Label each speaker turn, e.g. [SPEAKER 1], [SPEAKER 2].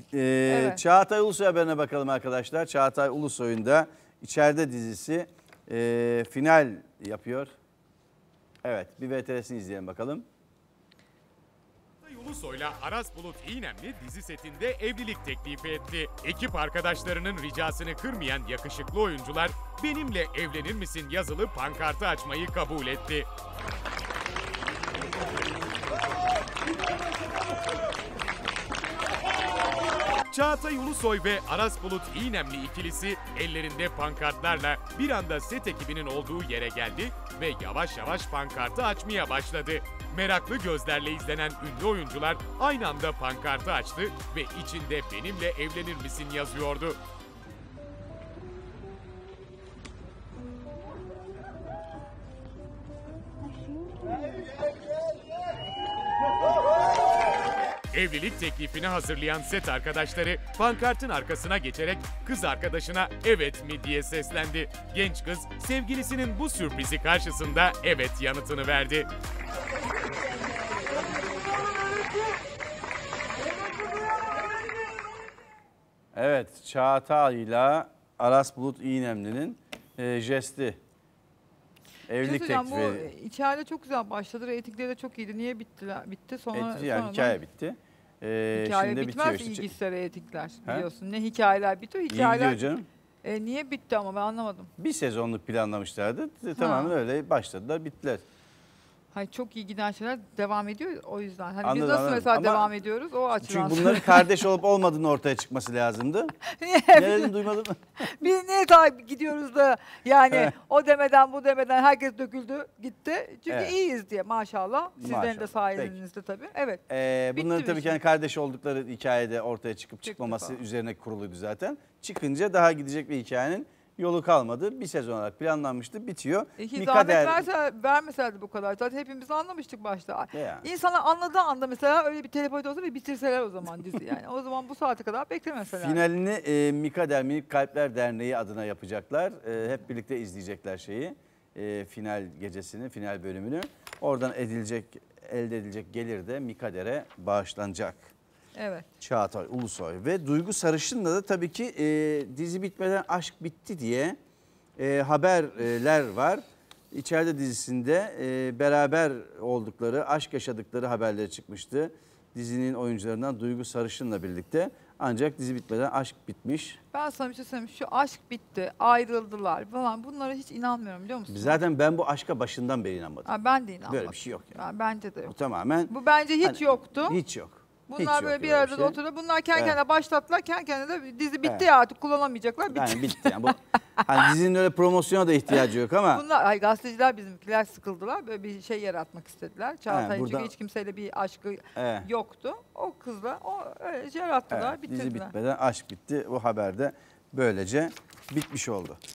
[SPEAKER 1] Evet.
[SPEAKER 2] Çağatay Ulusoy haberine bakalım arkadaşlar. Çağatay Ulusoy'un da İçeride dizisi final yapıyor. Evet, bir VTR'sini izleyelim bakalım.
[SPEAKER 3] Ulusoy'la Aras Bulut İynemli dizi setinde evlilik teklifi etti. Ekip arkadaşlarının ricasını kırmayan yakışıklı oyuncular "Benimle evlenir misin?" yazılı pankartı açmayı kabul etti. Çağatay Ulusoy ve Aras Bulut İynemli ikilisi ellerinde pankartlarla bir anda set ekibinin olduğu yere geldi ve yavaş yavaş pankartı açmaya başladı. Meraklı gözlerle izlenen ünlü oyuncular aynı anda pankartı açtı ve içinde "Benimle evlenir misin?" yazıyordu. Evlilik teklifini hazırlayan set arkadaşları pankartın arkasına geçerek kız arkadaşına "Evet mi?" diye seslendi. Genç kız sevgilisinin bu sürprizi karşısında evet yanıtını verdi.
[SPEAKER 2] Evet, Çağatay ile Aras Bulut İynemli'nin jesti. Evlilik teklifi.
[SPEAKER 1] Bu içeride çok güzel başladı. Reytingleri de çok iyiydi. Niye bitti? Sonra
[SPEAKER 2] hikaye bitti.
[SPEAKER 1] Hikaye
[SPEAKER 2] şimdi
[SPEAKER 1] bitmez
[SPEAKER 2] bitiyor işte.
[SPEAKER 1] ilgisiz reytingler biliyorsun. Ne hikayeler bitiyor. Hikayeler.
[SPEAKER 2] İyi gidiyor canım.
[SPEAKER 1] Niye bitti ama ben anlamadım.
[SPEAKER 2] Bir sezonluk planlamışlardı. Tamamen öyle başladılar, bittiler.
[SPEAKER 1] Hayır, çok iyi giden şeyler devam ediyor o yüzden. Hani
[SPEAKER 2] Anladım,
[SPEAKER 1] biz nasıl
[SPEAKER 2] anladım.
[SPEAKER 1] mesela
[SPEAKER 2] Ama
[SPEAKER 1] devam ediyoruz o açıdan.
[SPEAKER 2] Çünkü bunların kardeş olup olmadığını ortaya çıkması lazımdı. Ne dedim, duymadın mı?
[SPEAKER 1] Biz niye takip gidiyoruz da yani o demeden bu demeden herkes döküldü gitti. Çünkü iyiyiz diye maşallah. Sizlerin de sayenizde tabii. Evet.
[SPEAKER 2] Bunların tabii ki kardeş oldukları hikayede ortaya çıkmaması üzerine kuruluydu zaten. Çıkınca daha gidecek bir hikayenin yolu kalmadı. Bir sezon olarak planlanmıştı, bitiyor.
[SPEAKER 1] Zahmet vermeselerdi bu kadar. Zaten hepimiz anlamıştık başta. İnsanlar anladığı anda mesela öyle bir telepati olsa ve bitirseler o zaman dizi yani. O zaman bu saate kadar beklemeseler.
[SPEAKER 2] Finalini Mikader Minik Kalpler Derneği adına yapacaklar. Hep birlikte izleyecekler şeyi. Final gecesini, final bölümünü. Oradan elde edilecek gelir de Mikader'e bağışlanacak.
[SPEAKER 1] Evet.
[SPEAKER 2] Çağatay Ulusoy ve Duygu Sarışın'la da tabii ki dizi bitmeden aşk bitti diye haberler var. İçeride dizisinde beraber oldukları, aşk yaşadıkları haberleri çıkmıştı. Dizinin oyuncularından Duygu Sarışın'la birlikte. Ancak dizi bitmeden aşk bitmiş.
[SPEAKER 1] Ben sana bir şey söyleyeyim. Şu aşk bitti, ayrıldılar falan. Bunlara hiç inanmıyorum biliyor musun?
[SPEAKER 2] Zaten ben bu aşka başından beri inanmadım.
[SPEAKER 1] Ben de inanmadım.
[SPEAKER 2] Böyle bir şey yok yani.
[SPEAKER 1] Bence de yok.
[SPEAKER 2] Bu tamamen.
[SPEAKER 1] Bu bence hiç yoktu.
[SPEAKER 2] Hiç yok.
[SPEAKER 1] Bunlar böyle bir arada oturuyor. Bunlar kendi kendine başlattılar. Kendi kendine de dizi bitti ya artık kullanamayacaklar. Bitti.
[SPEAKER 2] Yani bitti. Yani bu, hani dizinin öyle promosyona da ihtiyacı yok ama.
[SPEAKER 1] Bunlar gazeteciler bizimkiler sıkıldılar. Böyle bir şey yaratmak istediler. Çağatay'ın çünkü hiç kimseyle bir aşkı yoktu. O kızla öyle yarattılar, bitirdiler.
[SPEAKER 2] Dizi bitmeden aşk bitti. O haber de böylece bitmiş oldu.